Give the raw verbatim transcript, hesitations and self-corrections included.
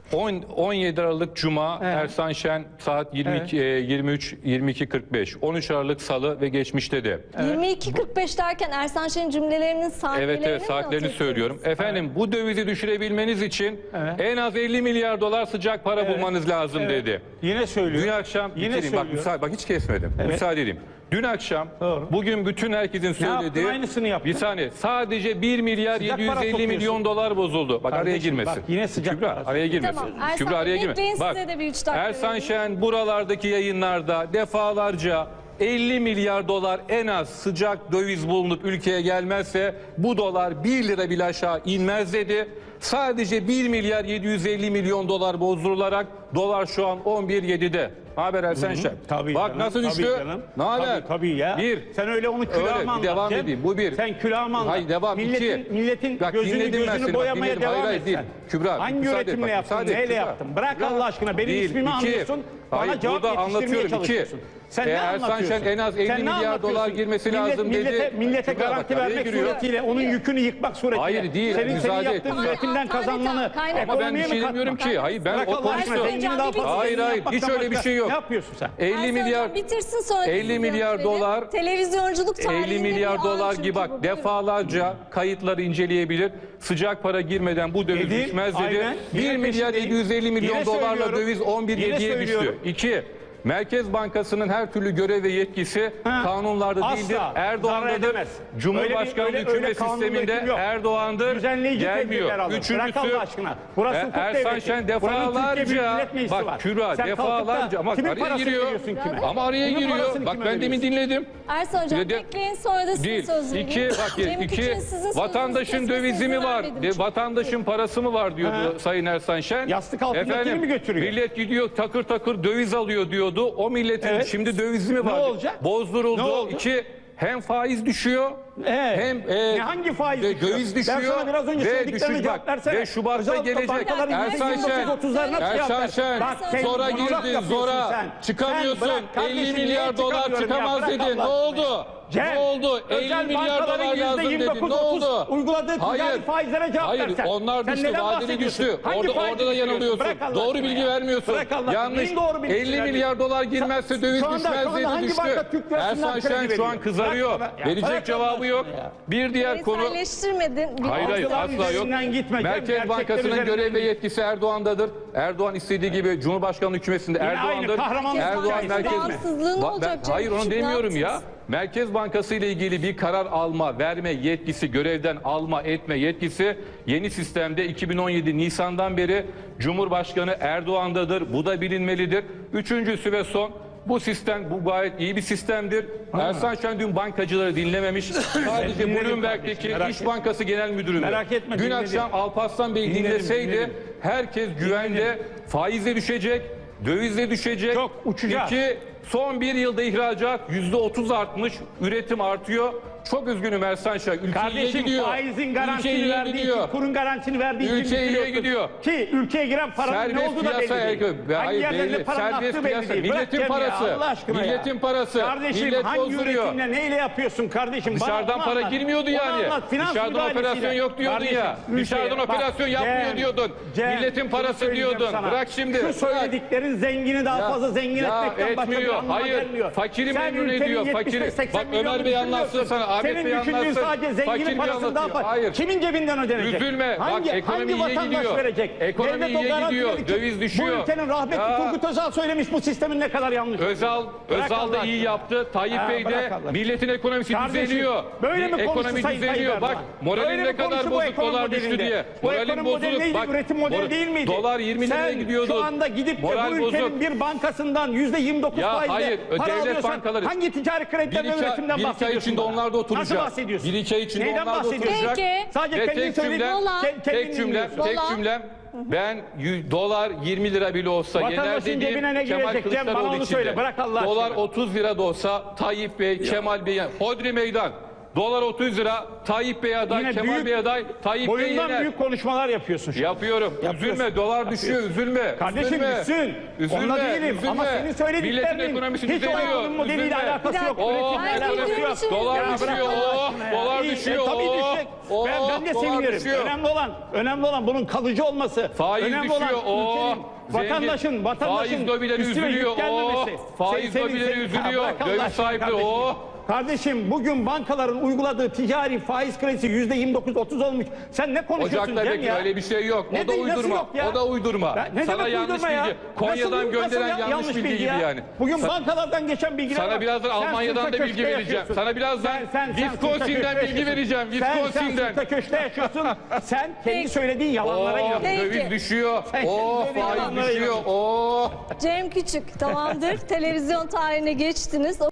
on yedi Aralık Cuma, Evet. Ersan Şen saat yirmi iki, yirmi üç yirmi iki kırk beş. on üç Aralık Salı ve geçmişte de. yirmi iki kırk beş derken Ersan Şen'in cümlelerinin saniyelerini Evet evet mi saatlerini not söylüyorum. ettiniz? Efendim bu dövizi düşürebilmeniz için Evet. en az elli milyar dolar sıcak para Evet. bulmanız lazım Evet. dedi. Yine söylüyor. Dün akşam Yine bitireyim. Bak, söylüyor. müsaade, bak hiç kesmedim. Evet. Müsaade edeyim. Dün akşam Doğru. bugün bütün herkesin söylediği yaptın? Aynısını yaptın. bir saniye sadece bir milyar Sıcak yedi yüz para elli topluyorsun. milyon dolar bozuldu. Bak araya Kardeşim, girmesin. bak yine sıcak Kübra para araya girmesin. Tamam, Ersan Kübra Bey, araya girmesin. bekleyin, Bak size de bir üç dakika Ersan vereyim. Şen buralardaki yayınlarda defalarca elli milyar dolar en az sıcak döviz bulunup ülkeye gelmezse bu dolar bir lira bile aşağı inmez dedi. Sadece bir milyar yedi yüz elli milyon dolar bozdurularak dolar şu an on bir nokta yedi'de. Ne haber Ersan Şen? Tabii Bak canım, nasıl tabii düştü? canım. Ne haber? Tabii, tabii ya. Bir. Sen öyle onu Öyle, külahıma bir anlat. devam Cem. edeyim. Bu bir. Sen külahıma anlat. Hayır devam. Milletin, İki. milletin Bak, gözünü dinledim ben gözünü seni. Bak, boyamaya dinledim. devam Hayır, hayır, et değil. sen. Kübra, Hangi müsaade et, üretimle bak, yaptın? müsaade et, Neyle Kübra. yaptın? Bırak Kübra. Allah aşkına. Benim Değil, ismimi iki. anlıyorsun. Bana Hayır, cevap burada yetiştirmeye anlatıyorum. çalışıyorsun. İki. Sen E, ne Ersan anlatıyorsun? Şen en az elli Sen ne milyar anlatıyorsun? dolar girmesi Millet- lazım millete, dedi. Millete Kübra, bak, garanti araya vermek giriyor. suretiyle, onun yükünü yıkmak suretiyle. Hayır, değil, Senin, senin müsaade et. yaptığın Hayır, üretimden Tanrıça, kazanılanı kaynak- Ama ben bir ekonomiye şey mi demiyorum katmak? ki. Hayır ben Bırak o Allah aşkına, konuştum. zengini daha fazla Hayır, zengin hayır, yapmaktan hiç öyle bir başka şey yok. Ne yapıyorsun sen? elli Ersan milyar Hocam bitirsin sonra elli sizin milyar yanıtları. dolar Televizyonculuk tarihinde elli bir milyar an dolar çünkü gibi bu. bak Buyurun. defalarca kayıtları inceleyebilir. Sıcak para girmeden bu döviz Dedi, düşmez dedi. aynen. bir Yine milyar peşindeyim. yedi yüz elli milyon Yine dolarla söylüyorum. döviz on bir Yine yediye düştü. söylüyorum. İki, Merkez Bankası'nın her türlü görev ve yetkisi Ha, kanunlarda asla değildir. zarar Erdoğan'dadır. edemez. Cumhurbaşkanlığı Öyle bir- öyle- öyle hükümet kanunda sisteminde hüküm yok. Erdoğan'dır. Düzenleyici tedbirler Gelmiyor. alın. Bırak Üçüncüsü Allah aşkına. Burası E, hukuk Ersan devleti. Şen Buranın Türkiye Büyük defalarca Millet Meclisi var. bak Kübra Sen defalarca kalkıp da ama kimin araya parasını giriyor. veriyorsun kime? Ama araya Kimin giriyor. parasını Bak kime ben demin veriyorsun? dinledim. Ersan Hocam Bir de- bekleyin sonra da sizin Değil. söz vereyim. İki, bak Cem iki, Küçük'ün sizin sözünüzü vatandaşın kesmesine dövizi mi izin var? vermedim De, çünkü. vatandaşın parası mı var diyordu Ha. Sayın Ersan Şen. Yastık altındakini mi götürüyor? Millet gidiyor takır takır döviz alıyor diyordu. O milletin Evet. şimdi dövizi mi Ne var? olacak? Bozduruldu. Ne oldu? İki, hem faiz düşüyor. Evet. Hem e, Ne, hangi faiz de, düşüyor? döviz Ben düşüyor. sana biraz önce ve söylediklerine düşüş cevap bak. versene. Ve Şubat'ta Özel gelecek. bankaların Ersan yüzde Şen. yirmi dokuz otuzlarına cevap Ersan ver. Şen. Bak, sen Sonra monolog girdin yapıyorsun zora. sen. Çıkamıyorsun. Sen bırak kardeşim, elli niye milyar dolar çıkamıyorum ya? çıkamaz Bırak dedin. Ne Allah oldu? Cem, Ne oldu? özel elli milyar bankaların dolar lazım yüzde yirmi dedin. dokuz Ne otuz oldu? uyguladığı ticari faizlere cevap Hayır, versen. onlar Sen düştü. neden Vadeli bahsediyorsun? düştü. Hangi Orada, faizi orada da düşürüyorsun? yanılıyorsun. Bırak Allah Doğru aşkına bilgi ya. vermiyorsun. Bırak Allah aşkına. Yanlış. Neyin doğru bilgisi elli vermiyorsun? milyar dolar girmezse döviz Şu anda- düşmez şu anda dedi hangi düştü. banka Türk lirasından Ersan kredi Şen şu an veriyor? kızarıyor. Bırak- ya Verecek bırak cevabı Allah yok. aşkına ya. Bir diğer konu. Bireyselleştirmedin. Bir Hayır hayır Algılar asla yok. üzerinden gitme. Merkez Gerçekler Bankası'nın üzerinden görev ve git. yetkisi Erdoğan'dadır. Erdoğan istediği gibi Cumhurbaşkanlığı hükümetinde Yine Erdoğan'dır. aynı kahramanlık Erdoğan hikayesi merkez değil mi? Bağımsızlığı ne Ba- olacak ben- Cem Hayır onu Küçük, ne demiyorum ya. yaptınız? Merkez Bankası ile ilgili bir karar alma, verme yetkisi, görevden alma, etme yetkisi yeni sistemde iki bin on yedi Nisan'dan beri Cumhurbaşkanı Erdoğan'dadır. Bu da bilinmelidir. Üçüncüsü ve son, bu sistem bu gayet iyi bir sistemdir. Ersan Şen dün bankacıları dinlememiş. Sadece dinledim Bloomberg'deki kardeşim, merak İş etme. Bankası Genel Müdürü'nü. Merak etme, Dün dinledim. akşam Alparslan Bey Dinledim, dinleseydi dinledim. herkes güvende, faizle düşecek, dövizle düşecek. Çok uçacağız. İki, son bir yılda ihracat yüzde otuz artmış, üretim artıyor. Çok üzgünüm Ersan Şen. Ülke iyiye Kardeşim gidiyor. faizin Ülke garantisini iyiye verdiği gidiyor. için, kurun garantisini verdiği için Ülke iyiye bitiriyorsun. gidiyor. Ki ülkeye giren paranın ne Serbest olduğu da belli piyasa değil. erkek- Hangi hayır, yerlerinde belli. paranın Serbest aktığı belli piyasa. değil. Bırak Milletin Cem ya, parası. Allah aşkına ya. Milletin parası. Kardeşim Millet hangi bozduruyor. üretimle neyle yapıyorsun kardeşim? Bana Dışarıdan onu para anlat. girmiyordu Onu yani. anlat. Finans Dışarıdan müdahalesiyle. operasyon yok diyordun Kardeşim, ya. ülkeye- Dışarıdan bak, operasyon yapmıyor Cem, diyordun. Cem, Milletin şunu parası söyleyeceğim diyordun. sana. Bırak şimdi. Şu Bırak. söylediklerin zengini daha Ya, fazla zengin ya etmekten başka bir etmiyor. anlama Hayır. gelmiyor. Fakiri Sen memnun ülkenin ediyor. yetmiş beş Fakiri. seksen Bak milyonunu Ömer Bey anlatsın düşünmüyorsun. sana. Ahmet Senin Bey düşündüğün anlatsın. sadece Fakir zenginin bir parasını daha anlatıyor. fazla. Hayır. Kimin cebinden ödenecek? Üzülme. Bak, Hangi, ekonomi hangi iyiye vatandaş gidiyor. verecek? Ekonomi Devlet o iyiye garanti gidiyor. verir ki Döviz düşüyor. Bu ülkenin rahmetli Ya. Turgut Özal söylemiş bu sistemin ne kadar yanlış. Özal, Bırak Özal Allah da iyi aşkına. yaptı. Tayyip Ha, Bey de bırak Allah. milletin ekonomisi Kardeşim, düzeliyor. böyle mi konuştu Ekonomi Sayın Tayyip düzeliyor. Erdoğan? Bak moralim Böyle ne mi kadar konuştu bu bozuk, ekonomi dolar düştü modelinde? diye. Bu Moralim ekonomi modeli bozulur. neydi? Bak, Üretim modeli mor- değil miydi? Dolar yirmi liraya Sen gidiyordu. şu anda gidip de Moral bu ülkenin bozuk. bir bankasından yüzde yirmi dokuz Ya faizle hayır, para devlet alıyorsan bankaları- hangi ticari Bir krediden ve iki, üretimden bir iki ay bahsediyorsun? içinde bana? onlar da oturacak. Nasıl bahsediyorsun? Bir iki ay içinde Neyden onlar da bahsediyorsun? oturacak. Peki. Sadece Ve kendin tek söylediğin cümlem, Dolar. ke- kendin tek cümlem, dinliyorsun. tek Dolar. cümlem. Ben y- dolar yirmi lira bile olsa yener Vatandaşın dediğim cebine ne Kemal girecek Cem? Bana Kılıçdaroğlu onu içinde. söyle. Bırak Allah Dolar aşkına. otuz lira da olsa Tayyip Bey, Kemal Bey, Hodri Meydan. Dolar otuz lira. Tayyip Bey aday, Yine Kemal büyük- Bey aday. Tayyip Bey Boyundan yener. büyük konuşmalar yapıyorsun şu an. Yapıyorum. Üzülme. Dolar düşüyor. Üzülme. Kardeşim üzülme. düşsün. Üzülme. Onunla değilim. Üzülme. Ama senin Milletin söylediklerinin ekonomisi hiç o düzeliyor. ekonomi modeliyle Üzülme. alakası yok. Bir dakika. Üretimle Hayır, alakası üzülme. yok. Dolar Ya bırak düşüyor. Allah Oh, aşkına ya. dolar İyi, düşüyor. E, tabii Oh, düşecek. oh, ben, ben de dolar sevinirim. düşüyor. Önemli olan, önemli olan bunun kalıcı olması. Faiz önemli düşüyor. olan Oh, ülkenin, vatandaşın, zengin. vatandaşın Faiz lobileri üstüne üzülüyor. yük gelmemesi. Oh, faiz Senin- lobileri senin- üzülüyor. Ya bırak Allah Döviz aşkına sahipleri. kardeşim. Oh. Kardeşim bugün bankaların uyguladığı ticari faiz kredisi yüzde yirmi dokuz otuz olmuş. Sen ne konuşuyorsun Ocak'ta Cem bekle, ya? öyle bir şey yok. Ne O da de- nasıl uydurma. yok ya? O da uydurma. Ya ne Sana demek yanlış uydurma ya? bilgi. Nasıl- Konya'dan nasıl gönderen ya- yanlış bilgi gibi ya? yani. Bugün Sa- bankalardan geçen bilgiler Sana var. birazdan Sen Almanya'dan sırta da köşkte bilgi vereceğim. yaşıyorsun. Sana birazdan Sen- sen- sen Wisconsin'den sırta köşkte bilgi yaşıyorsun. vereceğim. Sen, sen Wisconsin'den. sırta köşkte yaşıyorsun. Sen kendi söylediğin yalanlara Oh, inanıyorsun. Peki. döviz düşüyor. Sen Oh, kendi faiz yalanlara düşüyor. inanıyorsun. Oh. Cem Küçük tamamdır. Televizyon tarihine geçtiniz.